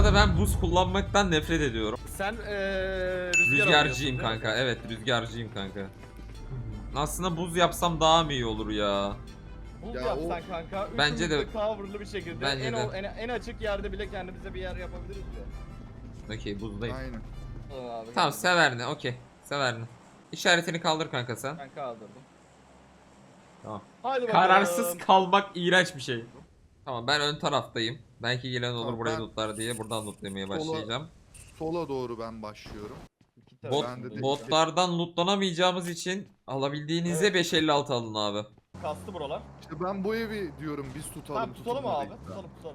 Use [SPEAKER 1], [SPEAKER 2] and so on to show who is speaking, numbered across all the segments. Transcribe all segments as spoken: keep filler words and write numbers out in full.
[SPEAKER 1] arada ben buz kullanmaktan nefret ediyorum.
[SPEAKER 2] Sen ee, rüzgar
[SPEAKER 1] Rüzgarcıyım
[SPEAKER 2] alıyorsun,
[SPEAKER 1] kanka. Evet, rüzgarcıyım kanka. Aslında buz yapsam daha mı iyi olur ya?
[SPEAKER 2] Buz
[SPEAKER 3] Ya
[SPEAKER 2] yapsan
[SPEAKER 3] o-
[SPEAKER 2] kanka.
[SPEAKER 1] Bence
[SPEAKER 2] Bence
[SPEAKER 1] de-
[SPEAKER 2] de coverlı bir şekilde.
[SPEAKER 1] Bence
[SPEAKER 2] en,
[SPEAKER 1] de.
[SPEAKER 2] ol- en, en açık yerde bile kendimize bir yer yapabiliriz ya.
[SPEAKER 1] Okey, buzdayım.
[SPEAKER 3] Aynen.
[SPEAKER 2] Tamam abi.
[SPEAKER 1] Tamam, Severne. Okey. Severne. İşaretini kaldır kanka sen.
[SPEAKER 2] Ben kaldırdım.
[SPEAKER 1] Tamam.
[SPEAKER 2] Hadi bakalım.
[SPEAKER 1] Kararsız kalmak iğrenç bir şey. Tamam, ben ön taraftayım. Belki gelen olur
[SPEAKER 3] Tamam,
[SPEAKER 1] burayı
[SPEAKER 3] ben-
[SPEAKER 1] lootlar diye buradan lootlamaya
[SPEAKER 3] Sola-
[SPEAKER 1] başlayacağım.
[SPEAKER 3] Sola doğru ben başlıyorum.
[SPEAKER 2] İki tarafı
[SPEAKER 1] Bot,
[SPEAKER 3] Ben de değil.
[SPEAKER 1] botlardan lootlanamayacağımız için alabildiğinizde
[SPEAKER 2] Evet.
[SPEAKER 1] beş elli altı alın abi.
[SPEAKER 2] Kastı buralar.
[SPEAKER 3] İşte ben bu evi diyorum biz tutalım.
[SPEAKER 2] Tamam tutalım
[SPEAKER 3] tutunma
[SPEAKER 2] abi.
[SPEAKER 3] değil.
[SPEAKER 2] Tutalım tutalım.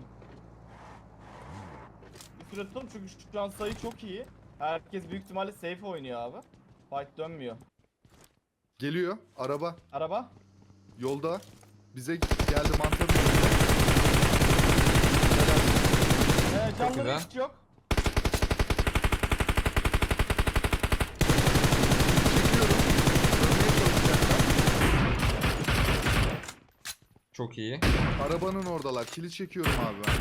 [SPEAKER 2] Bir süre tutalım çünkü şu an sayı çok iyi. Herkes büyük ihtimalle safe oynuyor abi. Fight dönmüyor.
[SPEAKER 3] Geliyor araba
[SPEAKER 2] Araba.
[SPEAKER 3] yolda. Bize geldi mantarı.
[SPEAKER 2] Ee, canları
[SPEAKER 1] güzel.
[SPEAKER 2] hiç yok.
[SPEAKER 3] Çekiyorum. Dönmeye çalışacaklar.
[SPEAKER 1] Çok iyi.
[SPEAKER 3] Arabanın oradalar. Kili çekiyorum abi ben.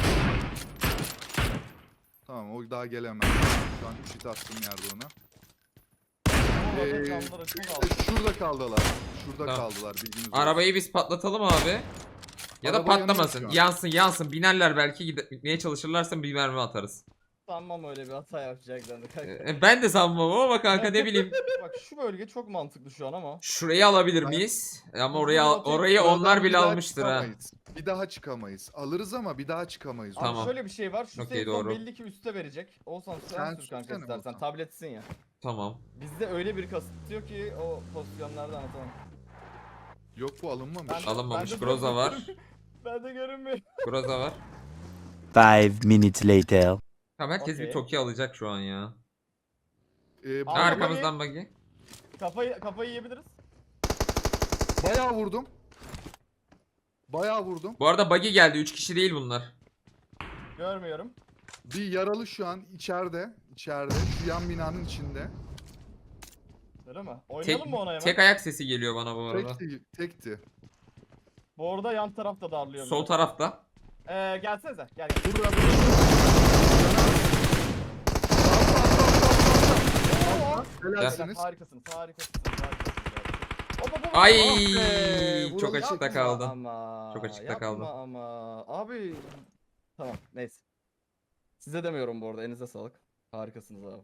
[SPEAKER 3] Tamam o daha gelemez. Şu an üç hit attım yerde ona.
[SPEAKER 2] Orada
[SPEAKER 3] Ee,
[SPEAKER 2] canları çok
[SPEAKER 3] işte
[SPEAKER 2] az.
[SPEAKER 3] şurada kaldılar. Şurada
[SPEAKER 1] Tamam.
[SPEAKER 3] kaldılar bilginiz olsun.
[SPEAKER 1] Arabayı biz patlatalım abi. Ya da
[SPEAKER 3] Araba yanıyor
[SPEAKER 1] patlamasın.
[SPEAKER 3] şu an.
[SPEAKER 1] Yansın yansın. Binerler belki, gide- gitmeye çalışırlarsa bir mermi atarız.
[SPEAKER 2] Sanmam öyle bir hata yapacaklarını kanka.
[SPEAKER 1] Ee, ben de sanmam ama kanka ne bileyim.
[SPEAKER 2] Bak şu bölge çok mantıklı şu an ama.
[SPEAKER 1] Şurayı alabilir
[SPEAKER 3] Ben-
[SPEAKER 1] miyiz? Ama oraya al-
[SPEAKER 2] Buradan
[SPEAKER 1] orayı
[SPEAKER 3] Buradan
[SPEAKER 1] onlar
[SPEAKER 3] bir
[SPEAKER 1] bile
[SPEAKER 3] daha
[SPEAKER 1] almıştır ha.
[SPEAKER 3] çıkamayız. Bir daha çıkamayız. Alırız ama bir daha çıkamayız.
[SPEAKER 2] Abi
[SPEAKER 1] Tamam.
[SPEAKER 2] şöyle bir şey var. Şu
[SPEAKER 1] Okey,
[SPEAKER 2] safe zone
[SPEAKER 1] doğru.
[SPEAKER 2] belli ki üste verecek. Olsan sen,
[SPEAKER 3] Sen
[SPEAKER 2] sür kanka
[SPEAKER 3] sürsene
[SPEAKER 2] istersen.
[SPEAKER 3] Volkan.
[SPEAKER 2] Tabletsin ya.
[SPEAKER 1] Tamam.
[SPEAKER 2] Bizde öyle bir kasıtlıyor ki o pozisyonlarda anlatamam.
[SPEAKER 3] Yok bu alınmamış.
[SPEAKER 2] Ben-
[SPEAKER 1] Alınmamış.
[SPEAKER 2] ben de
[SPEAKER 1] Groza var.
[SPEAKER 2] Ben de görünmüyor.
[SPEAKER 1] Groza var.
[SPEAKER 4] Five minutes later.
[SPEAKER 1] Tamam, herkes
[SPEAKER 2] Okey.
[SPEAKER 1] bir Toki alacak şu an ya.
[SPEAKER 3] Ee,
[SPEAKER 2] Abi,
[SPEAKER 1] Arkamızdan buggy.
[SPEAKER 2] Kafayı kafayı yiyebiliriz.
[SPEAKER 3] bayağı vurdum. Bayağı vurdum.
[SPEAKER 1] Bu arada buggy geldi. üç kişi değil bunlar.
[SPEAKER 2] Görmüyorum.
[SPEAKER 3] Bir yaralı şu an içeride. İçeride. Şu yan binanın içinde.
[SPEAKER 2] Öyle mi?
[SPEAKER 1] Tek,
[SPEAKER 2] Oynayalım mı ona hemen?
[SPEAKER 1] tek ayak sesi geliyor bana bu arada.
[SPEAKER 3] Tekti. Tekti.
[SPEAKER 2] Bu arada yan tarafta darlıyor.
[SPEAKER 1] Sol
[SPEAKER 2] biraz.
[SPEAKER 1] tarafta.
[SPEAKER 2] Ee, gelsenize. Gel gel.
[SPEAKER 3] Burada. Helalsiniz.
[SPEAKER 2] Harikasınız. Harikasınız. Harikasınız. Hop, hop, hop.
[SPEAKER 1] Ay
[SPEAKER 3] Ah be,
[SPEAKER 1] çok
[SPEAKER 3] vuralım.
[SPEAKER 1] açıkta
[SPEAKER 2] Yapma
[SPEAKER 1] kaldı.
[SPEAKER 2] Ama,
[SPEAKER 1] Çok açıkta
[SPEAKER 2] yapma
[SPEAKER 1] kaldı.
[SPEAKER 2] ama. Abi. Tamam neyse. Size demiyorum bu arada. Elinize sağlık. Harikasınız abi.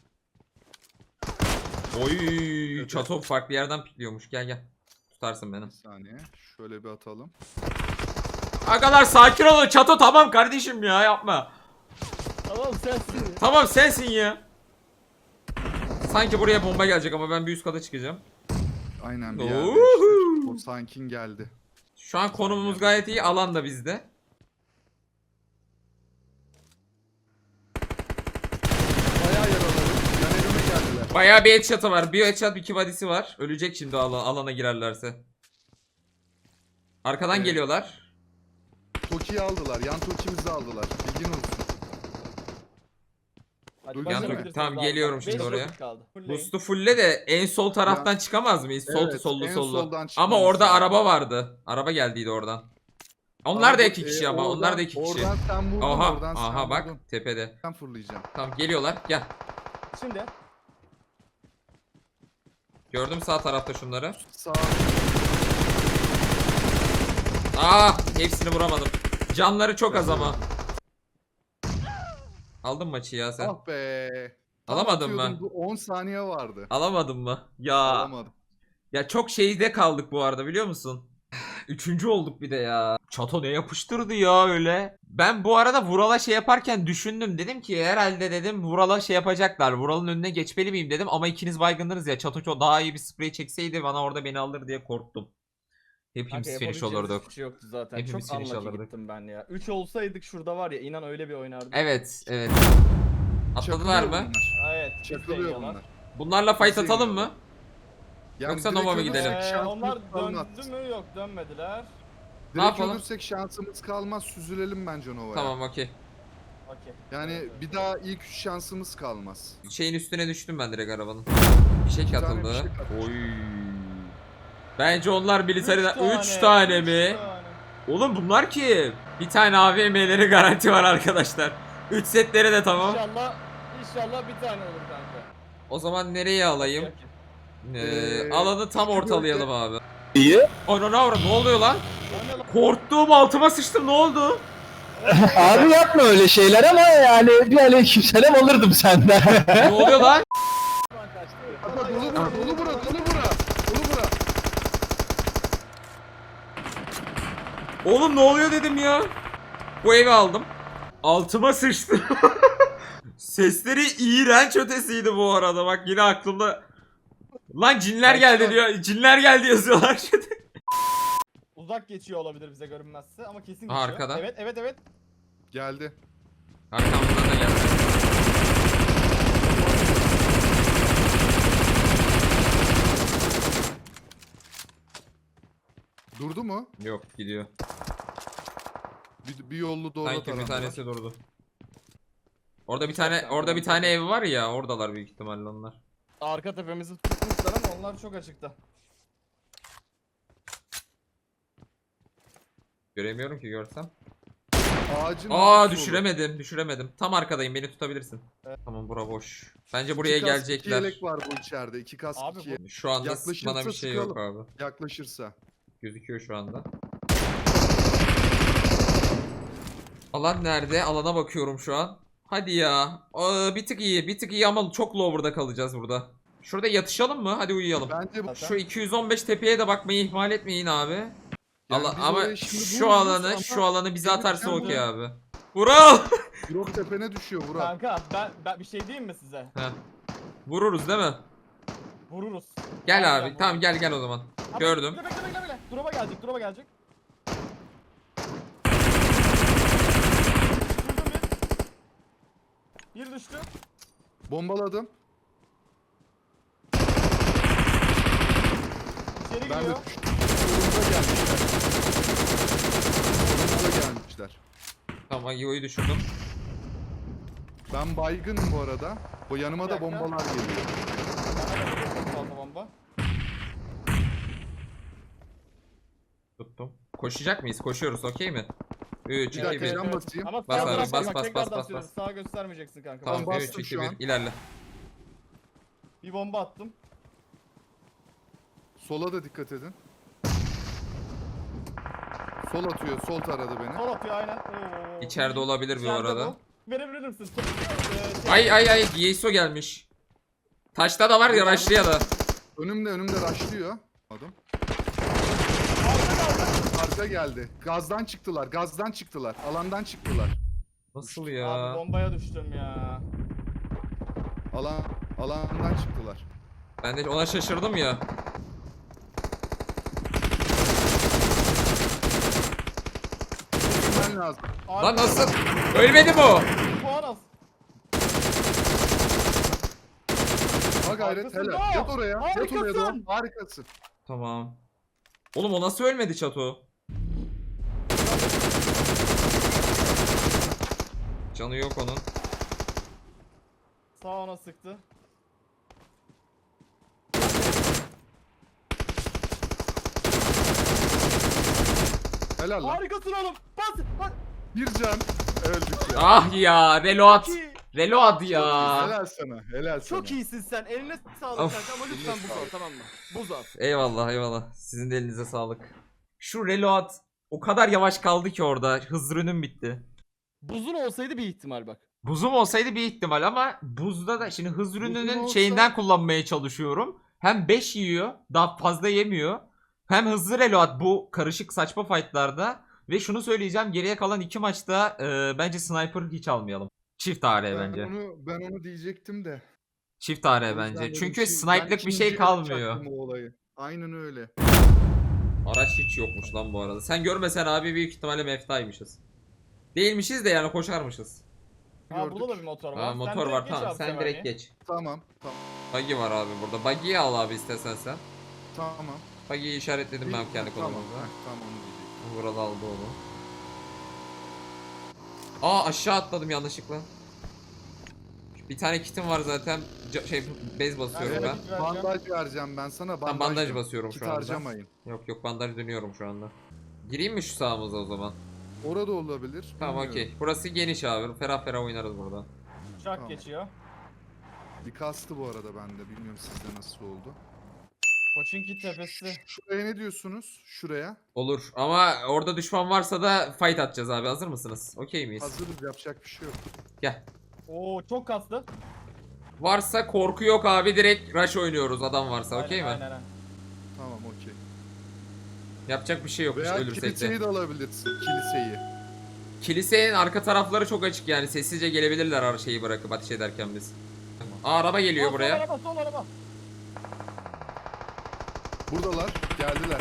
[SPEAKER 1] Oy çato farklı yerden pikliyormuş. Gel gel. Tutarsın beni.
[SPEAKER 3] Bir saniye. Şöyle bir atalım.
[SPEAKER 1] Agalar sakin olun. Çato tamam kardeşim ya, yapma.
[SPEAKER 2] Tamam sensin.
[SPEAKER 1] Tamam sensin ya. Sanki buraya bomba gelecek ama ben bir üst kata çıkacağım.
[SPEAKER 3] Aynen bir
[SPEAKER 1] Oho.
[SPEAKER 3] yerde işte. O sankin geldi.
[SPEAKER 1] Şu an konumumuz gayet iyi. Alan da bizde.
[SPEAKER 3] Bayağı yaraladım. Yan evime geldiler.
[SPEAKER 1] Bayağı bir headshot'ı var. Bir headshot, iki body'si var. Ölecek şimdi ala- alana girerlerse. Arkadan
[SPEAKER 3] Evet.
[SPEAKER 1] geliyorlar.
[SPEAKER 3] Toki'yi aldılar. Yan Toki'mizi aldılar. Bilgin olsun.
[SPEAKER 2] Hadi
[SPEAKER 3] Dur,
[SPEAKER 2] başlayabilirsiniz
[SPEAKER 1] yan- tamam,
[SPEAKER 2] abi.
[SPEAKER 1] geliyorum
[SPEAKER 2] Beş
[SPEAKER 1] şimdi
[SPEAKER 2] dakika
[SPEAKER 1] oraya.
[SPEAKER 2] kaldı. Fullleyin.
[SPEAKER 1] Boost'u fulle de en sol taraftan çıkamaz mıyız? Sol
[SPEAKER 3] Evet,
[SPEAKER 1] sollu
[SPEAKER 3] en
[SPEAKER 1] sollu.
[SPEAKER 3] soldan
[SPEAKER 1] Ama
[SPEAKER 3] çıkmamız
[SPEAKER 1] orada
[SPEAKER 3] lazım.
[SPEAKER 1] araba vardı. Araba geldiydi oradan. Onlar da
[SPEAKER 3] Ama
[SPEAKER 1] iki
[SPEAKER 3] bu-
[SPEAKER 1] kişi
[SPEAKER 3] e,
[SPEAKER 1] ama. Onlar
[SPEAKER 3] oradan-
[SPEAKER 1] da iki kişi.
[SPEAKER 3] Oradan sen vurdun.
[SPEAKER 1] Aha,
[SPEAKER 3] oradan sen
[SPEAKER 1] aha bak
[SPEAKER 3] vurdun.
[SPEAKER 1] tepede.
[SPEAKER 3] Ben fırlayacağım.
[SPEAKER 1] Tamam geliyorlar. Gel.
[SPEAKER 2] Şimdi.
[SPEAKER 1] Gördüm sağ tarafta şunları.
[SPEAKER 3] Sağ.
[SPEAKER 1] Aa, hepsini vuramadım. Canları çok az ama. Aldın maçı ya sen.
[SPEAKER 3] Ah be. Tam
[SPEAKER 1] Alamadın mı?
[SPEAKER 3] atıyordum, bu on saniye vardı.
[SPEAKER 1] Alamadın mı? Ya.
[SPEAKER 3] Alamadım.
[SPEAKER 1] Ya çok şeyde kaldık bu arada, biliyor musun? Üçüncü olduk bir de ya. Çato ne yapıştırdı ya öyle. Ben bu arada Vural'a şey yaparken düşündüm. Dedim ki herhalde dedim Vural'a şey yapacaklar. Vural'ın önüne geçmeli miyim dedim. Ama ikiniz baygındınız ya. Çato çok daha iyi bir sprey çekseydi bana orada beni alır diye korktum. Hepimiz
[SPEAKER 2] Kanka,
[SPEAKER 1] finish
[SPEAKER 2] yapabileceğimiz
[SPEAKER 1] olurduk.
[SPEAKER 2] hiçbir şey yoktu zaten.
[SPEAKER 1] Hepimiz
[SPEAKER 2] Çok
[SPEAKER 1] finish
[SPEAKER 2] unlucky
[SPEAKER 1] alırdık.
[SPEAKER 2] gittim ben ya. üç olsaydık şurada var ya, inan öyle bir oynardık.
[SPEAKER 1] Evet, evet. Atladılar
[SPEAKER 3] Çakılıyor
[SPEAKER 1] mı?
[SPEAKER 3] bunlar.
[SPEAKER 2] Evet. biz de
[SPEAKER 3] Çakılıyor
[SPEAKER 2] yiyorlar.
[SPEAKER 3] bunlar.
[SPEAKER 1] Bunlarla fight
[SPEAKER 3] Bizi
[SPEAKER 1] atalım
[SPEAKER 3] yiyorlar.
[SPEAKER 1] mı?
[SPEAKER 3] Yani
[SPEAKER 1] Yoksa
[SPEAKER 3] direkt
[SPEAKER 1] Nova mı
[SPEAKER 3] ölürsek
[SPEAKER 1] gidelim?
[SPEAKER 2] Ee,
[SPEAKER 3] şansımız
[SPEAKER 2] onlar
[SPEAKER 3] kalmaz.
[SPEAKER 2] döndü mü? Yok, dönmediler.
[SPEAKER 3] Direkt
[SPEAKER 1] yapalım?
[SPEAKER 3] ölürsek şansımız kalmaz. Süzülelim bence Nova'ya.
[SPEAKER 1] Tamam, okey.
[SPEAKER 2] Okey.
[SPEAKER 3] Yani
[SPEAKER 2] Evet, evet.
[SPEAKER 3] bir daha ilk üç şansımız kalmaz.
[SPEAKER 1] Şeyin üstüne düştüm ben direkt arabanın. Bir şey
[SPEAKER 3] İki tane
[SPEAKER 1] atıldı.
[SPEAKER 3] bir şey atmış.
[SPEAKER 1] Oy. Bence onlar
[SPEAKER 2] Üç
[SPEAKER 1] militeriden üç tane
[SPEAKER 2] üç
[SPEAKER 1] mi?
[SPEAKER 2] tane.
[SPEAKER 1] Oğlum bunlar kim? Bir tane A V M'leri garanti var arkadaşlar. üç setleri de tamam.
[SPEAKER 2] İnşallah, inşallah bir tane olur kanka.
[SPEAKER 1] O zaman nereye alayım?
[SPEAKER 2] Yok ki.
[SPEAKER 1] Ee,
[SPEAKER 3] Ee,
[SPEAKER 1] alanı tam
[SPEAKER 3] üstü
[SPEAKER 1] ortalayalım abi.
[SPEAKER 4] İyi.
[SPEAKER 1] Ana ne avra- ne oluyor lan?
[SPEAKER 2] O ne lan?
[SPEAKER 1] Korktuğum altıma sıçtım, ne oldu?
[SPEAKER 5] Abi yapma öyle şeyler ama yani bir aleykümselam alırdım senden.
[SPEAKER 1] Ne oluyor lan?
[SPEAKER 2] Lan kaçtı.
[SPEAKER 3] Kanka dolu bura, dolu bura, dolu bura. Dolu bura.
[SPEAKER 1] Oğlum ne oluyor dedim ya. Bu evi aldım. Altıma sıçtım. Sesleri iğrenç ötesiydi bu arada. Bak yine aklımda. Lan cinler geldi diyor. Cinler geldi yazıyorlar.
[SPEAKER 2] Uzak geçiyor olabilir bize görünmezse ama kesin
[SPEAKER 1] Aha,
[SPEAKER 2] geçiyor.
[SPEAKER 1] arkada.
[SPEAKER 2] Evet, evet, evet.
[SPEAKER 3] Geldi.
[SPEAKER 1] Arkamdan da geldi.
[SPEAKER 3] Durdu mu?
[SPEAKER 1] Yok gidiyor.
[SPEAKER 3] Bir, bir yollu doğru
[SPEAKER 1] Sanki bir
[SPEAKER 3] tarafta.
[SPEAKER 1] tanesi durdu. Orada bir tane orada bir tane ev var ya, oradalar büyük ihtimalle onlar.
[SPEAKER 2] Arka tepemizi tutmuşlar ama onlar çok açıkta.
[SPEAKER 1] Göremiyorum ki görsem.
[SPEAKER 3] Ağacın
[SPEAKER 1] Aa
[SPEAKER 3] arkası
[SPEAKER 1] düşüremedim, düşüremedim. Tam arkadayım, beni tutabilirsin. Tamam bura boş. Bence
[SPEAKER 3] olur.
[SPEAKER 1] buraya
[SPEAKER 3] İki kask, iki
[SPEAKER 1] gelecekler.
[SPEAKER 3] yelek var bu içeride. İki kask,
[SPEAKER 2] Abi
[SPEAKER 3] iki
[SPEAKER 2] bu-
[SPEAKER 1] Şu anda
[SPEAKER 3] Yaklaşırsa
[SPEAKER 1] bana bir şey yok
[SPEAKER 3] sıkalım.
[SPEAKER 1] abi.
[SPEAKER 3] yaklaşırsa.
[SPEAKER 1] Gözüküyor şu anda. Alan nerede? Alana bakıyorum şu an. Hadi ya. Aa, bir tık iyi, bir tık iyi ama çok lower'da kalacağız burada. Şurada yatışalım mı? Hadi uyuyalım.
[SPEAKER 3] Bence bu.
[SPEAKER 1] Şu iki yüz on beş tepeye de bakmayı ihmal etmeyin abi.
[SPEAKER 3] Yani
[SPEAKER 1] Ala-
[SPEAKER 3] biz
[SPEAKER 1] ama
[SPEAKER 3] oraya şimdi
[SPEAKER 1] şu
[SPEAKER 3] vururuz
[SPEAKER 1] alanı,
[SPEAKER 3] ama
[SPEAKER 1] şu alanı bize atarsa
[SPEAKER 3] gelirken
[SPEAKER 1] okey
[SPEAKER 3] de-
[SPEAKER 1] abi. Vural!
[SPEAKER 3] Grok tepene düşüyor Vural.
[SPEAKER 2] Kanka ben, ben bir şey diyeyim mi size?
[SPEAKER 1] Heh. Vururuz değil mi?
[SPEAKER 2] Vururuz.
[SPEAKER 1] Gel
[SPEAKER 2] Harbiden
[SPEAKER 1] abi. Tamam
[SPEAKER 2] vururuz.
[SPEAKER 1] gel gel o zaman.
[SPEAKER 2] Ama
[SPEAKER 1] Gördüm.
[SPEAKER 2] Bekle bekle bekle bekle. Drop'a gelecek, drop'a gelecek. Vurdum bir. Bir düştü.
[SPEAKER 3] Bombaladım.
[SPEAKER 2] İçeri
[SPEAKER 3] Ben de
[SPEAKER 2] giriyor.
[SPEAKER 3] düştüm. Solumuza gelmişler. Solumuza gelmişler.
[SPEAKER 1] Tamam Agiyo'yu düşürdüm.
[SPEAKER 3] Ben baygınım bu arada. Bu yanıma
[SPEAKER 2] Bir
[SPEAKER 3] da
[SPEAKER 2] dakika.
[SPEAKER 3] bombalar geliyor.
[SPEAKER 2] Bana da çok fazla bomba.
[SPEAKER 1] Tuttum. Koşacak mıyız? Koşuyoruz okey mi? üç,
[SPEAKER 3] Bir
[SPEAKER 1] iki,
[SPEAKER 3] dakika
[SPEAKER 1] bir.
[SPEAKER 3] can basayım.
[SPEAKER 2] Ama
[SPEAKER 1] Bas
[SPEAKER 2] sağ
[SPEAKER 1] abi,
[SPEAKER 2] tarafta
[SPEAKER 1] bas,
[SPEAKER 2] bak,
[SPEAKER 1] bas,
[SPEAKER 2] tekrardan
[SPEAKER 1] bas, bas,
[SPEAKER 2] söylüyorum.
[SPEAKER 1] bas.
[SPEAKER 2] Sağa göstermeyeceksin kanka.
[SPEAKER 1] Tamam
[SPEAKER 3] Ben
[SPEAKER 1] üç,
[SPEAKER 3] bastım
[SPEAKER 1] iki,
[SPEAKER 3] şu
[SPEAKER 1] bir.
[SPEAKER 3] an.
[SPEAKER 1] İlerle.
[SPEAKER 2] Bir bomba attım.
[SPEAKER 3] Sola da dikkat edin. Sol atıyor. Sol taradı beni.
[SPEAKER 2] Sol atıyor aynen. Oo.
[SPEAKER 1] İçeride olabilir bu
[SPEAKER 2] İçeride
[SPEAKER 1] arada.
[SPEAKER 2] bu. Verebilir misin? Ee, şey-
[SPEAKER 1] Ay ay ay Yeiso gelmiş. Taşta da var ya başlıya da.
[SPEAKER 3] Önümde önümde rushlıyor. Adam. Arka geldi. Gazdan çıktılar. Gazdan çıktılar. Alandan çıktılar.
[SPEAKER 1] Nasıl
[SPEAKER 2] Abi
[SPEAKER 1] ya?
[SPEAKER 2] bombaya düştüm ya.
[SPEAKER 3] Alan alandan çıktılar.
[SPEAKER 1] Ben de ona şaşırdım ya.
[SPEAKER 3] Ben lazım.
[SPEAKER 2] Abi,
[SPEAKER 1] Lan nasıl? Ölmedi mi o?
[SPEAKER 2] puan az.
[SPEAKER 3] Ha gayret
[SPEAKER 2] Arkasında.
[SPEAKER 3] helal. Yat oraya. Yat oraya
[SPEAKER 2] Harikasın.
[SPEAKER 3] Doğan. Harikasın.
[SPEAKER 1] Tamam. Oğlum o nasıl ölmedi Çato? Canı yok onun.
[SPEAKER 2] Sağ ona sıktı.
[SPEAKER 3] Helal lan.
[SPEAKER 2] Harikasın oğlum. Bas. Bas.
[SPEAKER 3] Bir can. Öldük ya.
[SPEAKER 1] Ah ya reload.
[SPEAKER 2] Çok iyi.
[SPEAKER 1] Reload ya.
[SPEAKER 3] Helal sana. Helal sana.
[SPEAKER 2] Çok iyisin sen. Eline sağlık
[SPEAKER 1] Of.
[SPEAKER 2] kanka ama lütfen buz al tamam mı? Buz al.
[SPEAKER 1] Eyvallah eyvallah. Sizin de elinize sağlık. Şu reload o kadar yavaş kaldı ki orada. Hız ürünüm bitti.
[SPEAKER 2] Buzun olsaydı bir ihtimal bak.
[SPEAKER 1] Buzum olsaydı bir ihtimal ama buzda da şimdi hız ürününün
[SPEAKER 3] olsa-
[SPEAKER 1] şeyinden kullanmaya çalışıyorum. Hem beş yiyor, daha fazla yemiyor. Hem hızlı reload bu karışık saçma fightlarda. Ve şunu söyleyeceğim, geriye kalan iki maçta e, bence sniper hiç almayalım. Çift A R
[SPEAKER 3] Ben
[SPEAKER 1] bence.
[SPEAKER 3] onu, ben onu diyecektim de.
[SPEAKER 1] Çift A R
[SPEAKER 3] O yüzden
[SPEAKER 1] bence.
[SPEAKER 3] dedim
[SPEAKER 1] Çünkü
[SPEAKER 3] ki,
[SPEAKER 1] snipe'lık
[SPEAKER 3] ben
[SPEAKER 1] bir şey
[SPEAKER 3] ikinciye
[SPEAKER 1] kalmıyor.
[SPEAKER 3] yapacaktım o olayı. Aynen öyle.
[SPEAKER 1] Araç hiç yokmuş lan bu arada. Sen görmesen abi büyük ihtimalle meftaymışız. Değilmişiz de yani koşarmışız.
[SPEAKER 2] Ha
[SPEAKER 3] Gördük.
[SPEAKER 2] burada da bir motor var.
[SPEAKER 1] Aa,
[SPEAKER 2] Sen
[SPEAKER 1] motor
[SPEAKER 2] direkt
[SPEAKER 1] var
[SPEAKER 2] geç
[SPEAKER 1] tamam
[SPEAKER 2] abi
[SPEAKER 1] sen
[SPEAKER 2] Semani.
[SPEAKER 1] direkt geç.
[SPEAKER 3] Tamam. Tamam.
[SPEAKER 1] Buggy var abi burada. Buggy'yi al abi istesen sen.
[SPEAKER 3] Tamam.
[SPEAKER 1] Buggy'yi işaretledim ben kendi
[SPEAKER 3] Tamam.
[SPEAKER 1] konumumda.
[SPEAKER 3] heh, Tamam onu diyecektim.
[SPEAKER 1] Vural aldı onu. Aa aşağı atladım yanlışlıkla. Bir tane kitim var zaten. Ca- şey bez basıyorum
[SPEAKER 2] Evet.
[SPEAKER 1] ben.
[SPEAKER 3] Bandaj vereceğim ben sana. Bandaj,
[SPEAKER 1] Ben bandaj
[SPEAKER 3] ver.
[SPEAKER 1] basıyorum
[SPEAKER 3] Kit
[SPEAKER 1] şu anda.
[SPEAKER 3] harcamayın.
[SPEAKER 1] Yok yok bandaj dönüyorum şu anda. Gireyim mi şu sağımıza o zaman?
[SPEAKER 3] Orada olabilir.
[SPEAKER 1] Tamam
[SPEAKER 3] bilmiyorum.
[SPEAKER 1] okey. Burası geniş abi. Ferah ferah oynarız burada.
[SPEAKER 2] Uçak
[SPEAKER 3] Tamam.
[SPEAKER 2] geçiyor.
[SPEAKER 3] Bir kastı bu arada bende. Bilmiyorum sizde nasıl oldu.
[SPEAKER 2] Koçinki tepesi.
[SPEAKER 3] Şuraya ne diyorsunuz? Şuraya.
[SPEAKER 1] Olur ama orada düşman varsa da fight atacağız abi. Hazır mısınız? Okey miyiz?
[SPEAKER 3] Hazırız, yapacak bir şey yok.
[SPEAKER 1] Gel.
[SPEAKER 2] Oo çok kaslı.
[SPEAKER 1] Varsa korku yok abi. Direkt rush oynuyoruz adam varsa. Okey mi?
[SPEAKER 2] Aynen, aynen.
[SPEAKER 3] Tamam okey.
[SPEAKER 1] Yapacak bir şey yok
[SPEAKER 3] Veya
[SPEAKER 1] ölürsek
[SPEAKER 3] kiliseyi
[SPEAKER 1] de.
[SPEAKER 3] de alabilirsin. Kiliseyi.
[SPEAKER 1] Kilisenin arka tarafları çok açık yani. Sessizce gelebilirler her şeyi bırakıp ateş ederken biz. Aa, araba geliyor
[SPEAKER 2] Aa,
[SPEAKER 1] buraya.
[SPEAKER 2] Sol araba, sol araba.
[SPEAKER 3] Buradalar. Geldiler.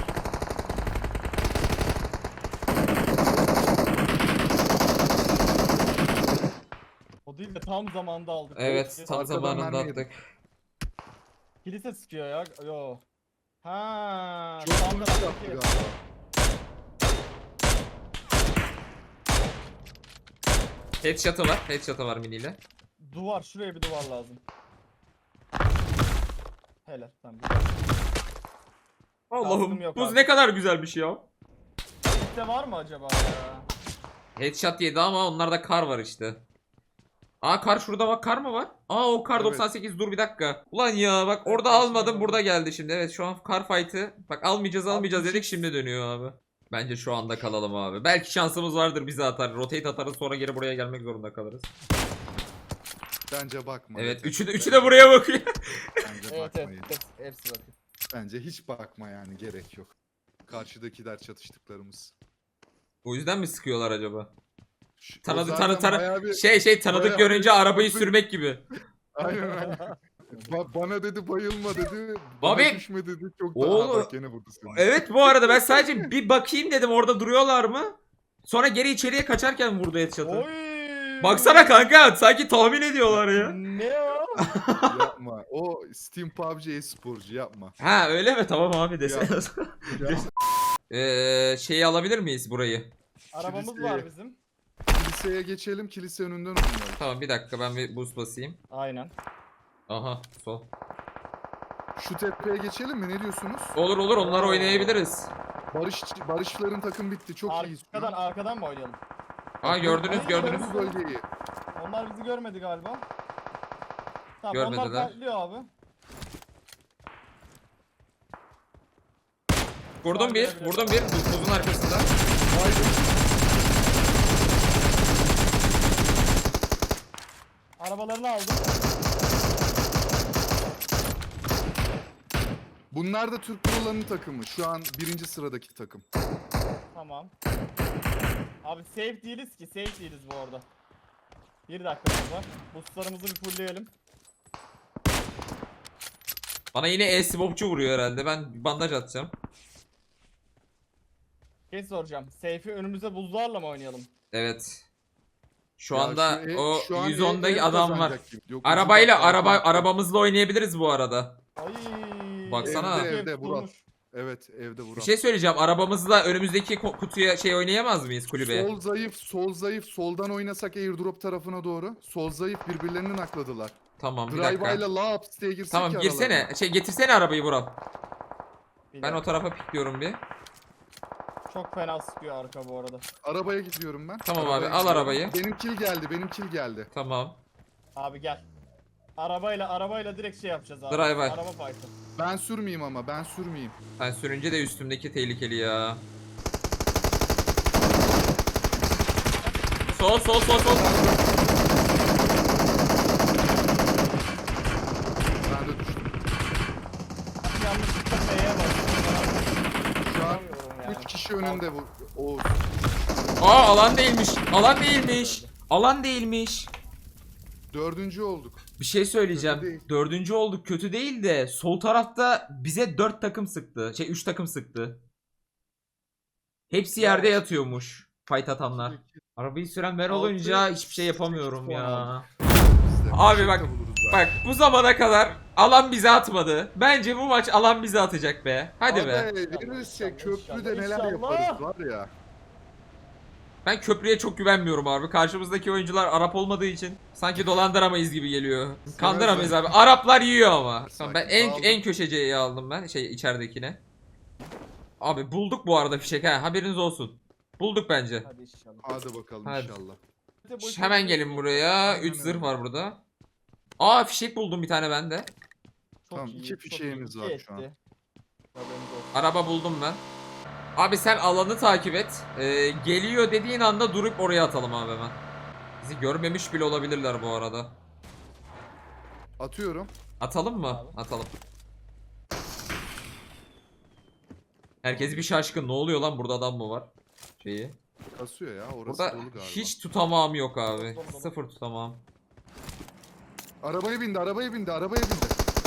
[SPEAKER 2] O değil de tam zamanda aldık.
[SPEAKER 1] Evet
[SPEAKER 2] Kilise-
[SPEAKER 1] tam
[SPEAKER 3] Arkadan
[SPEAKER 1] zamanında
[SPEAKER 3] mermi
[SPEAKER 1] attık.
[SPEAKER 2] Kilise sıkıyor ya. Yo. Ha.
[SPEAKER 3] Çok
[SPEAKER 2] tam
[SPEAKER 3] hızlı
[SPEAKER 2] taraftaki-
[SPEAKER 3] yaptı galiba.
[SPEAKER 1] Headshot'ı var. Headshot'ı var miniyle.
[SPEAKER 2] Duvar, şuraya bir duvar lazım. Helal. Tamam.
[SPEAKER 1] Allah'ım
[SPEAKER 2] Kastım yok
[SPEAKER 1] buz
[SPEAKER 2] abi.
[SPEAKER 1] ne kadar güzelmiş ya.
[SPEAKER 2] Kilise var mı acaba ya?
[SPEAKER 1] Headshot yedi ama onlarda kar var işte. Aa kar şurada bak, kar mı var? Aa o kar
[SPEAKER 3] Evet.
[SPEAKER 1] doksan sekiz, dur bir dakika. Ulan ya bak orada
[SPEAKER 2] Evet,
[SPEAKER 1] almadım,
[SPEAKER 2] şimdi
[SPEAKER 1] burada geldi şimdi. Evet şu an kar fight'ı. Bak almayacağız
[SPEAKER 2] Abi,
[SPEAKER 1] almayacağız
[SPEAKER 2] bu
[SPEAKER 1] dedik,
[SPEAKER 2] şey-
[SPEAKER 1] şimdi dönüyor abi. Bence şu anda kalalım abi. Belki şansımız vardır, bizi atar. Rotate atarız, sonra geri buraya gelmek zorunda kalırız.
[SPEAKER 3] Bence bakma.
[SPEAKER 1] Evet
[SPEAKER 3] yeter.
[SPEAKER 1] üçü de, üçü de buraya bakıyor.
[SPEAKER 3] Bence
[SPEAKER 2] Evet
[SPEAKER 3] bakmayın.
[SPEAKER 2] evet. Hepsi, hepsi bakıyor.
[SPEAKER 3] Bence hiç bakma yani, gerek yok. Karşıdakiler çatıştıklarımız.
[SPEAKER 1] O yüzden mi sıkıyorlar acaba?
[SPEAKER 3] Şu- o
[SPEAKER 1] Tanıdı
[SPEAKER 3] zaten
[SPEAKER 1] tanı tanı
[SPEAKER 3] bayağı bir-
[SPEAKER 1] şey şey tanıdık
[SPEAKER 3] bayağı
[SPEAKER 1] görünce
[SPEAKER 3] bir-
[SPEAKER 1] arabayı sürmek gibi.
[SPEAKER 3] Aynen aynen. Ba- bana dedi bayılma dedi.
[SPEAKER 1] Abi-
[SPEAKER 3] Bana düşme dedi. Çok da
[SPEAKER 1] Oğlum-
[SPEAKER 3] Aha, bak gene vurdu seni.
[SPEAKER 1] Evet bu arada ben sadece bir bakayım dedim orada duruyorlar mı? Sonra geri içeriye kaçarken vurdu headshot'ı.
[SPEAKER 2] Oy.
[SPEAKER 1] Baksana kanka sanki tahmin ediyorlar ya.
[SPEAKER 2] Ne o?
[SPEAKER 3] Yapma. O Steam P U B G e-sporcu, yapma.
[SPEAKER 1] Ha öyle mi? Tamam abi desene.
[SPEAKER 3] Ya,
[SPEAKER 1] Eee şeyi alabilir miyiz burayı?
[SPEAKER 2] Arabamız
[SPEAKER 3] Kiliseye.
[SPEAKER 2] var bizim.
[SPEAKER 3] kiliseye geçelim. Kilise önünden oynayalım.
[SPEAKER 1] Tamam bir dakika ben bir boost basayım.
[SPEAKER 2] Aynen.
[SPEAKER 1] Aha sol.
[SPEAKER 3] Şu tepeye geçelim mi? Ne diyorsunuz?
[SPEAKER 1] Olur olur onları
[SPEAKER 2] Oo.
[SPEAKER 1] oynayabiliriz.
[SPEAKER 3] Barış Barışların takım bitti. Çok iyi.
[SPEAKER 2] Arkadan arkadan mı oynayalım?
[SPEAKER 1] Aa gördünüz
[SPEAKER 2] Ay,
[SPEAKER 1] gördünüz.
[SPEAKER 3] Bu bölgeyi.
[SPEAKER 2] Onlar bizi görmedi galiba. Tamam
[SPEAKER 1] Görmediler.
[SPEAKER 2] onlar fightlıyor abi.
[SPEAKER 1] Vurdum bir, vurdum bir buz- buzun arkasında.
[SPEAKER 2] Arabalarını aldım.
[SPEAKER 3] Bunlar da Türk Pro'ların takımı. Şu an birinci sıradaki takım.
[SPEAKER 2] Tamam. Abi safe değiliz ki. Safe değiliz bu arada. Bir dakikamız var. Boostlarımızı bir fullleyelim.
[SPEAKER 1] Bana yine e-smoke'cu vuruyor herhalde. Ben bir bandaj atacağım.
[SPEAKER 2] Şey soracağım. Safe'i önümüze buzlarla mı oynayalım?
[SPEAKER 1] Evet. Şu
[SPEAKER 3] Ya
[SPEAKER 1] anda
[SPEAKER 3] şu e-
[SPEAKER 1] o
[SPEAKER 3] şu an
[SPEAKER 1] yüz ondaki
[SPEAKER 3] e-
[SPEAKER 1] adam var.
[SPEAKER 3] kazanacak gibi. Yok, uzun
[SPEAKER 1] Arabayla
[SPEAKER 3] dakika
[SPEAKER 1] araba
[SPEAKER 3] falan.
[SPEAKER 1] arabamızla oynayabiliriz bu arada.
[SPEAKER 2] Ay.
[SPEAKER 1] Baksana.
[SPEAKER 3] Evde,
[SPEAKER 2] Ev
[SPEAKER 3] evde,
[SPEAKER 2] tutulmuş.
[SPEAKER 3] Murat. Evet, evde vuran.
[SPEAKER 1] Bir şey söyleyeceğim. Arabamızla önümüzdeki ko- kutuya şey oynayamaz mıyız kulübeye?
[SPEAKER 3] Sol zayıf, sol zayıf. Soldan oynasak airdrop tarafına doğru. Sol zayıf, birbirlerini nakladılar.
[SPEAKER 1] Tamam bir dakika.
[SPEAKER 3] Drive'ayla laps diye girsek
[SPEAKER 1] Tamam
[SPEAKER 3] ya
[SPEAKER 1] girsene.
[SPEAKER 3] aralarına.
[SPEAKER 1] Şey getirsene arabayı Vural.
[SPEAKER 2] Bir
[SPEAKER 1] Ben o
[SPEAKER 2] dakika.
[SPEAKER 1] tarafa pikliyorum bir.
[SPEAKER 2] Çok fena sıkıyor arka bu arada.
[SPEAKER 3] Arabaya gidiyorum ben.
[SPEAKER 1] Tamam
[SPEAKER 3] Arabaya
[SPEAKER 1] abi, al
[SPEAKER 3] gidiyorum.
[SPEAKER 1] arabayı.
[SPEAKER 3] Benim kill geldi, benim kill geldi.
[SPEAKER 1] Tamam.
[SPEAKER 2] Abi gel. Arabayla arabayla direkt şey yapacağız abi.
[SPEAKER 1] Driver.
[SPEAKER 2] Araba fight'ı.
[SPEAKER 3] Ben sürmeyeyim ama, ben sürmeyeyim.
[SPEAKER 1] Ben sürünce de üstümdeki tehlikeli ya. Sol sol sol sol.
[SPEAKER 3] Ben de düştüm.
[SPEAKER 2] Yanlışlıkla F'ye bastım.
[SPEAKER 3] Şu an
[SPEAKER 2] Yapamıyorum yani.
[SPEAKER 3] üç kişi önünde bu. O
[SPEAKER 1] Aa alan değilmiş. Alan değilmiş. Alan değilmiş.
[SPEAKER 3] dördüncü olduk.
[SPEAKER 1] Bir şey
[SPEAKER 3] Kötü
[SPEAKER 1] söyleyeceğim.
[SPEAKER 3] değil.
[SPEAKER 1] Dördüncü olduk, kötü değil de sol tarafta bize dört takım sıktı. Şey üç takım sıktı. Hepsi yerde yatıyormuş. Fight atanlar. Arabayı süren ben
[SPEAKER 3] Altı,
[SPEAKER 1] olunca hiçbir şey yapamıyorum
[SPEAKER 3] sekiz puan
[SPEAKER 1] ya.
[SPEAKER 3] aldık. Biz de
[SPEAKER 1] Abi
[SPEAKER 3] bir şey
[SPEAKER 1] bak,
[SPEAKER 3] de buluruz
[SPEAKER 1] Bak
[SPEAKER 3] belki.
[SPEAKER 1] bu zamana kadar alan bize atmadı. Bence bu maç alan bize atacak be. Hadi be.
[SPEAKER 3] Abi verirse
[SPEAKER 2] İnşallah,
[SPEAKER 3] köprüde
[SPEAKER 2] inşallah,
[SPEAKER 3] neler
[SPEAKER 2] inşallah.
[SPEAKER 3] yaparız var ya.
[SPEAKER 1] Ben köprüye çok güvenmiyorum abi. Karşımızdaki oyuncular Arap olmadığı için sanki dolandıramayız gibi geliyor. Kandıramayız abi. Araplar yiyor ama. Tamam, ben en
[SPEAKER 3] Aldım.
[SPEAKER 1] en köşeciyi aldım ben şey içeridekine. Abi bulduk bu arada fişek ha, haberiniz olsun. Bulduk bence.
[SPEAKER 2] Hadi inşallah.
[SPEAKER 3] Hadi bakalım
[SPEAKER 1] Hadi.
[SPEAKER 3] inşallah.
[SPEAKER 1] Şş, hemen gelin buraya.
[SPEAKER 3] Aynen
[SPEAKER 1] üç zırh
[SPEAKER 3] öyle.
[SPEAKER 1] var burada. Aa fişek buldum bir tane bende.
[SPEAKER 2] Çok
[SPEAKER 3] Tamam,
[SPEAKER 2] iyi,
[SPEAKER 3] iki
[SPEAKER 2] çok
[SPEAKER 3] fişeğimiz
[SPEAKER 2] iyi.
[SPEAKER 3] var
[SPEAKER 2] İki
[SPEAKER 3] şu an.
[SPEAKER 2] etti. Haberiniz olsun.
[SPEAKER 1] Araba buldum ben. Abi sen alanı takip et. Ee, geliyor dediğin anda durup oraya atalım abi hemen. Bizi görmemiş bile olabilirler bu arada.
[SPEAKER 3] Atıyorum.
[SPEAKER 1] Atalım mı?
[SPEAKER 2] Abi.
[SPEAKER 1] Atalım. Herkes bir şaşkın. Ne oluyor lan, burada adam mı var? Şeyi.
[SPEAKER 3] Kasıyor ya, orası
[SPEAKER 1] Burada
[SPEAKER 3] dolu galiba.
[SPEAKER 1] hiç tutamağım yok abi.
[SPEAKER 2] Dolu, dolu.
[SPEAKER 1] Sıfır tutamağım.
[SPEAKER 3] Arabaya bindi, arabaya bindi, arabaya bindi.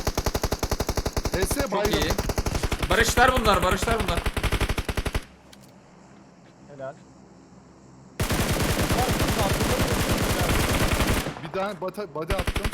[SPEAKER 3] H S
[SPEAKER 1] Çok
[SPEAKER 3] bayram.
[SPEAKER 1] iyi. Barışlar bunlar, barışlar bunlar.
[SPEAKER 2] Helal.
[SPEAKER 3] Bir daha bata, body attım.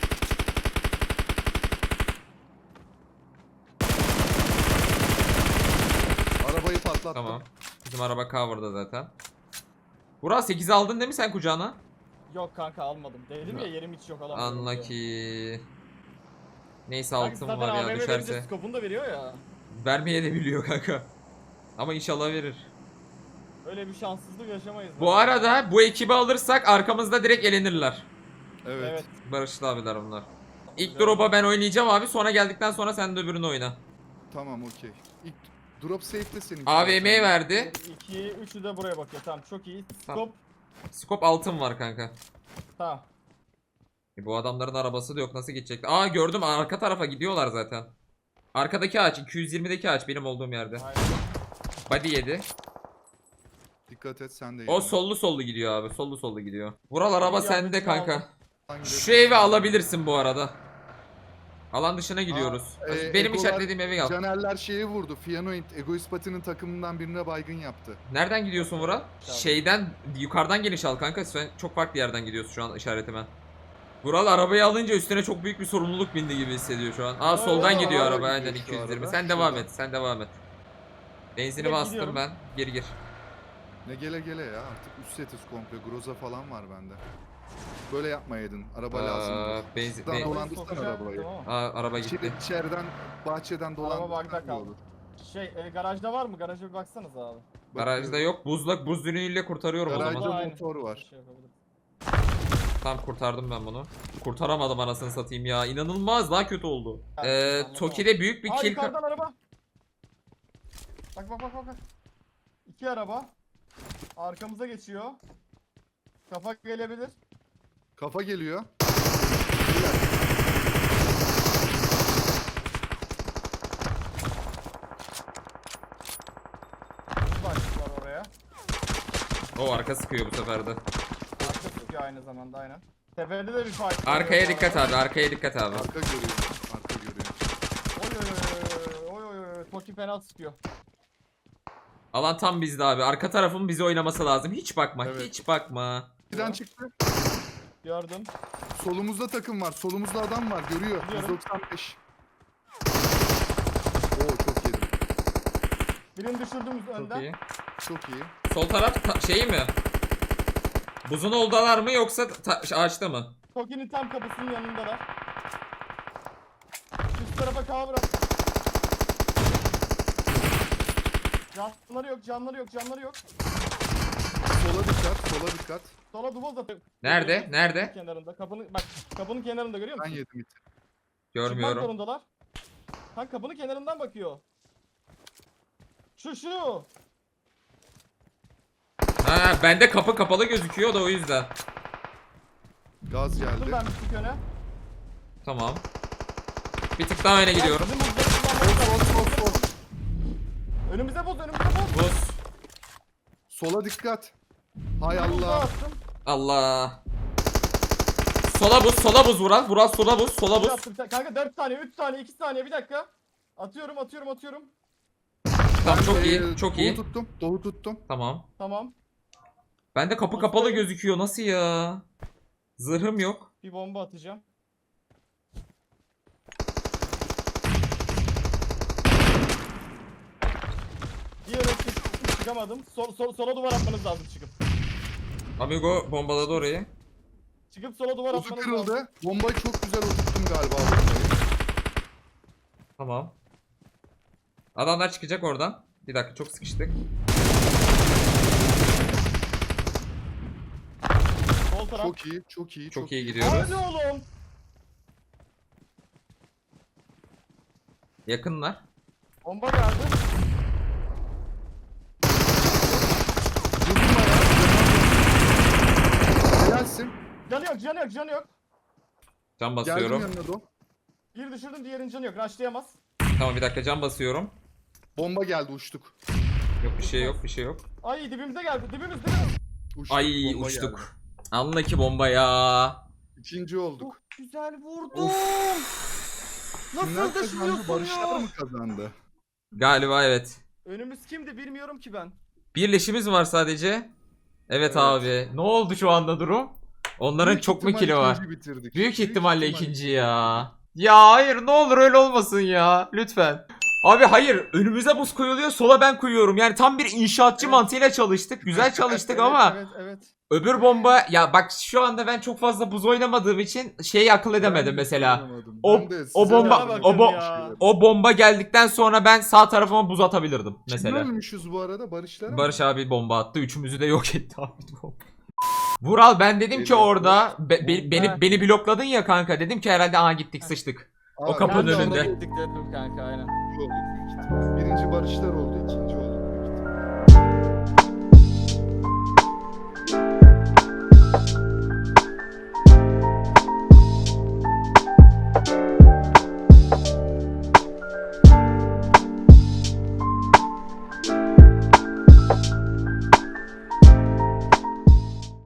[SPEAKER 3] Arabayı patlattım.
[SPEAKER 1] Tamam. Bizim araba cover'da zaten. Burak sekiz aldın değil mi sen kucağına?
[SPEAKER 2] Yok kanka almadım. Dedim ya yerim hiç yok alamıyorum. diye.
[SPEAKER 1] Unlucky. Neyse
[SPEAKER 2] Kanka
[SPEAKER 1] altın
[SPEAKER 2] zaten
[SPEAKER 1] var ya
[SPEAKER 2] A V M
[SPEAKER 1] düşerse.
[SPEAKER 2] verince skopunu da veriyor ya.
[SPEAKER 1] Vermeye de biliyor kanka. Ama inşallah verir.
[SPEAKER 2] Öyle bir şanssızlık yaşamayız.
[SPEAKER 1] Bu arada bu ekibi alırsak arkamızda direkt elenirler.
[SPEAKER 3] Evet.
[SPEAKER 2] Evet.
[SPEAKER 1] Barışlı abiler bunlar. İlk drop'a ben oynayacağım abi, sonra geldikten sonra sen de öbürünü oyna.
[SPEAKER 3] Tamam, okey. İlk drop safe'de senin.
[SPEAKER 1] A V M'ye verdi.
[SPEAKER 2] iki, üçü de buraya bakıyor. Tamam çok iyi.
[SPEAKER 1] Tamam.
[SPEAKER 2] Skop.
[SPEAKER 1] Scope altın var kanka.
[SPEAKER 2] Tamam.
[SPEAKER 1] E bu adamların arabası da yok, nasıl gidecekler? Aa gördüm, arka tarafa gidiyorlar zaten. Arkadaki ağaç, iki yüz yirmideki ağaç benim olduğum yerde.
[SPEAKER 2] Aynen.
[SPEAKER 1] Body yedi.
[SPEAKER 3] Dikkat et, sen de.
[SPEAKER 1] O sollu sollu gidiyor abi, sollu sollu gidiyor. Vural araba
[SPEAKER 2] Ya,
[SPEAKER 1] sende
[SPEAKER 2] bütün
[SPEAKER 1] kanka.
[SPEAKER 2] aldım.
[SPEAKER 1] Şu evi alabilirsin bu arada. Alan dışına gidiyoruz.
[SPEAKER 3] Aa, e,
[SPEAKER 1] Benim
[SPEAKER 3] Egolar-
[SPEAKER 1] işaretlediğim evi al.
[SPEAKER 3] Canerler şeye vurdu. Fianoid Egoist Pati'nin takımından birine baygın yaptı.
[SPEAKER 1] Nereden gidiyorsun Vural?
[SPEAKER 2] Tamam.
[SPEAKER 1] Şeyden, yukarıdan geniş al kanka. Sen çok farklı yerden gidiyorsun şu an işaretime. Vural arabayı alınca üstüne çok büyük bir sorumluluk bindi gibi hissediyor şu an. Aa
[SPEAKER 2] Evet,
[SPEAKER 1] soldan
[SPEAKER 2] evet,
[SPEAKER 1] gidiyor
[SPEAKER 3] araba
[SPEAKER 1] araba,
[SPEAKER 3] gidiyor
[SPEAKER 1] aynen
[SPEAKER 3] şu
[SPEAKER 1] iki yüz yirmi.
[SPEAKER 3] arada.
[SPEAKER 1] Sen devam
[SPEAKER 3] Şuradan.
[SPEAKER 1] et, sen devam et. Benzini
[SPEAKER 2] Direkt
[SPEAKER 1] bastım
[SPEAKER 2] gidiyorum.
[SPEAKER 1] ben. Geri gir.
[SPEAKER 3] Ne gele gele ya, artık üst setiz komple. Groza falan var bende. Böyle yapmayaydın. Araba
[SPEAKER 1] Aa,
[SPEAKER 3] lazım.
[SPEAKER 1] benzin,
[SPEAKER 3] Daha
[SPEAKER 1] ben-
[SPEAKER 3] dolandırsana
[SPEAKER 2] Sokacağım,
[SPEAKER 3] arabayı.
[SPEAKER 2] tamam.
[SPEAKER 1] Aa, araba
[SPEAKER 3] İçeri,
[SPEAKER 1] gitti.
[SPEAKER 3] içeriden, bahçeden
[SPEAKER 2] Araba
[SPEAKER 3] dolandırsan
[SPEAKER 2] bagda
[SPEAKER 3] iyi
[SPEAKER 2] kaldı.
[SPEAKER 3] olur.
[SPEAKER 2] Şey e, garajda var mı? Garaja bir baksanız abi.
[SPEAKER 1] Garajda
[SPEAKER 3] Bakıyorum.
[SPEAKER 1] yok. Buzlak buz ürünüyle kurtarıyorum o
[SPEAKER 3] Garajda
[SPEAKER 1] zaman.
[SPEAKER 2] Aynen.
[SPEAKER 3] motor var.
[SPEAKER 2] Şey yapabilirim.
[SPEAKER 1] Tam kurtardım ben bunu. Kurtaramadım anasını satayım ya. İnanılmaz, daha kötü oldu.
[SPEAKER 2] Evet,
[SPEAKER 1] Ee,
[SPEAKER 2] anladım.
[SPEAKER 1] Toki'de büyük bir
[SPEAKER 2] Aa
[SPEAKER 1] kill...
[SPEAKER 2] yukarıdan araba. Bak bak bak bak. bak. İki araba. Arkamıza geçiyor. Kafa gelebilir.
[SPEAKER 3] Kafa geliyor.
[SPEAKER 2] Başlıklar oraya.
[SPEAKER 1] O arka sıkıyor bu sefer de.
[SPEAKER 2] Arka tutuyor aynı zamanda aynen. Tepede de bir fight.
[SPEAKER 1] Arkaya
[SPEAKER 2] oluyor bu
[SPEAKER 1] dikkat
[SPEAKER 2] arada.
[SPEAKER 1] abi, arkaya dikkat abi.
[SPEAKER 3] Arka görüyor. Arka görüyor.
[SPEAKER 2] Oy oy oy oy oy oy. Toki fena sıkıyor.
[SPEAKER 1] Alan tam bizde abi. Arka tarafın bizi oynaması lazım. Hiç bakma,
[SPEAKER 3] Evet.
[SPEAKER 1] hiç bakma.
[SPEAKER 3] Birden çıktı.
[SPEAKER 2] Gördüm.
[SPEAKER 3] Solumuzda takım var. Solumuzda adam var. Görüyor.
[SPEAKER 2] Biliyorum.
[SPEAKER 3] yüz doksan beş. Oo, çok yedim.
[SPEAKER 2] Birini düşürdüm
[SPEAKER 1] Çok
[SPEAKER 2] önden.
[SPEAKER 1] iyi.
[SPEAKER 3] Çok iyi.
[SPEAKER 1] Sol taraf ta- şey mi? Buzun oldalar mı yoksa ta- ağaçta mı?
[SPEAKER 2] Toki'nin tam kapısının yanındalar. Üst tarafa cover at. Canları yok, canları yok, canları yok.
[SPEAKER 3] Sola dikkat. Sola dikkat.
[SPEAKER 2] Sola duvoz atıyor.
[SPEAKER 1] Nerede? Nerede?
[SPEAKER 2] Kenarında. Kapının bak kapının kenarında görüyor
[SPEAKER 3] Ben
[SPEAKER 2] musun?
[SPEAKER 3] yedim iti.
[SPEAKER 2] Çıkmak
[SPEAKER 1] Görmüyorum.
[SPEAKER 2] zorundalar. Kanka kapının kenarından bakıyor. Şu şu.
[SPEAKER 1] Ha, bende kapı kapalı gözüküyor da o yüzden.
[SPEAKER 3] Gaz
[SPEAKER 2] Dur
[SPEAKER 3] geldi.
[SPEAKER 2] ben bir tık öne.
[SPEAKER 1] Tamam. Bir tık daha öne gidiyorum.
[SPEAKER 2] Bizim hızları kullanmamız
[SPEAKER 3] Sol
[SPEAKER 2] lazım.
[SPEAKER 3] sol sol.
[SPEAKER 2] Önümüze boz, önümüze boz.
[SPEAKER 1] Buz.
[SPEAKER 3] Sola dikkat. Hay
[SPEAKER 2] Bir buz daha
[SPEAKER 3] Allah.
[SPEAKER 2] attım.
[SPEAKER 1] Allah. Sola buz, sola buz Vural. Vural sola buz, sola
[SPEAKER 2] Bir
[SPEAKER 1] buz.
[SPEAKER 2] attım. Kanka dört saniye, üç saniye, iki saniye, bir dakika. Atıyorum, atıyorum, atıyorum.
[SPEAKER 1] Tamam çok
[SPEAKER 3] Ben,
[SPEAKER 1] iyi,
[SPEAKER 3] e,
[SPEAKER 1] çok
[SPEAKER 3] Doğu
[SPEAKER 1] iyi.
[SPEAKER 3] tuttum. Doğu tuttum.
[SPEAKER 1] Tamam.
[SPEAKER 2] Tamam.
[SPEAKER 1] Bende kapı kapalı gözüküyor. Nasıl ya? Zırhım yok.
[SPEAKER 2] Bir bomba atacağım. Diğer çık, çıkamadım. Sol, sol, sola duvar atmanız lazım çıkıp.
[SPEAKER 1] Amigo bombaladı orayı.
[SPEAKER 2] Çıkıp sola duvar
[SPEAKER 3] Uzu
[SPEAKER 2] atmanız lazım.
[SPEAKER 3] kırıldı. Bombayı çok güzel oturttum galiba. bombayı.
[SPEAKER 1] Tamam. Adamlar çıkacak oradan. Bir dakika, çok sıkıştık.
[SPEAKER 2] Sol taraf.
[SPEAKER 3] Çok iyi, çok iyi,
[SPEAKER 1] Çok
[SPEAKER 3] çok,
[SPEAKER 1] iyi
[SPEAKER 3] iyi.
[SPEAKER 1] gidiyoruz.
[SPEAKER 2] Hadi oğlum.
[SPEAKER 1] Yakınlar.
[SPEAKER 2] Bomba geldi.
[SPEAKER 3] Vurdum ayağı. Helalsin.
[SPEAKER 2] Canı yok, canı yok, canı yok.
[SPEAKER 1] Can
[SPEAKER 3] Geldim
[SPEAKER 1] basıyorum.
[SPEAKER 3] yanına do.
[SPEAKER 2] Bir düşürdüm, diğerinin canı yok. Rushlayamaz.
[SPEAKER 1] Tamam bir dakika can basıyorum.
[SPEAKER 3] Bomba geldi, uçtuk.
[SPEAKER 1] Yok bir şey yok bir şey yok.
[SPEAKER 2] Ay dibimize geldi, dibimiz dibimiz.
[SPEAKER 3] Uçtuk,
[SPEAKER 1] Ay
[SPEAKER 3] bomba
[SPEAKER 1] uçtuk.
[SPEAKER 3] geldi.
[SPEAKER 1] Anla ki bomba ya.
[SPEAKER 3] İkinci olduk.
[SPEAKER 2] Çok güzel vurdum.
[SPEAKER 3] Kimler
[SPEAKER 2] Nasıl
[SPEAKER 3] kazandı?
[SPEAKER 2] düşmüyorsun
[SPEAKER 3] Barışlar
[SPEAKER 2] ya?
[SPEAKER 3] mı kazandı?
[SPEAKER 1] Galiba evet.
[SPEAKER 2] Önümüz kimdi bilmiyorum ki ben.
[SPEAKER 1] Birleşimiz var sadece. Evet,
[SPEAKER 3] Evet.
[SPEAKER 1] abi. Ne oldu şu anda durum? Onların
[SPEAKER 3] Büyük
[SPEAKER 1] çok mu
[SPEAKER 3] ihtimal
[SPEAKER 1] kilo var?
[SPEAKER 3] ikinci bitirdik.
[SPEAKER 1] Büyük ihtimalle ikinci ya. Ya hayır ne olur öyle olmasın ya. Lütfen. Abi hayır önümüze buz koyuluyor sola ben koyuyorum. Yani tam bir inşaatçı
[SPEAKER 2] Evet.
[SPEAKER 1] mantığıyla çalıştık. Güzel çalıştık
[SPEAKER 2] Evet,
[SPEAKER 1] ama
[SPEAKER 2] Evet evet.
[SPEAKER 1] öbür bomba ya bak şu anda ben çok fazla buz oynamadığım için şeyi akıl edemedim
[SPEAKER 3] Ben de
[SPEAKER 1] mesela.
[SPEAKER 3] oynamadım.
[SPEAKER 1] O-
[SPEAKER 3] Ben de
[SPEAKER 1] o
[SPEAKER 3] size
[SPEAKER 1] bomba-
[SPEAKER 3] yardım
[SPEAKER 1] o bo-
[SPEAKER 3] etmişim.
[SPEAKER 1] O bomba geldikten sonra ben sağ tarafıma buz atabilirdim mesela.
[SPEAKER 3] Kim ölmüşüz bu arada? Barışlar mı?
[SPEAKER 1] Barış abi bomba attı. Üçümüzü de yok etti abi bomba. Vural ben dedim ki
[SPEAKER 3] Eyvah.
[SPEAKER 1] orada be- be- beni
[SPEAKER 2] Ha.
[SPEAKER 1] beni blokladın ya kanka. Dedim ki herhalde aha gittik sıçtık.
[SPEAKER 3] Abi,
[SPEAKER 1] o kapının
[SPEAKER 3] ben de
[SPEAKER 1] önünde.
[SPEAKER 3] orada
[SPEAKER 2] Gittik dedim kanka aynen.
[SPEAKER 3] oldu büyük ihtimal. Birinci Barışlar oldu, ikinci oldu.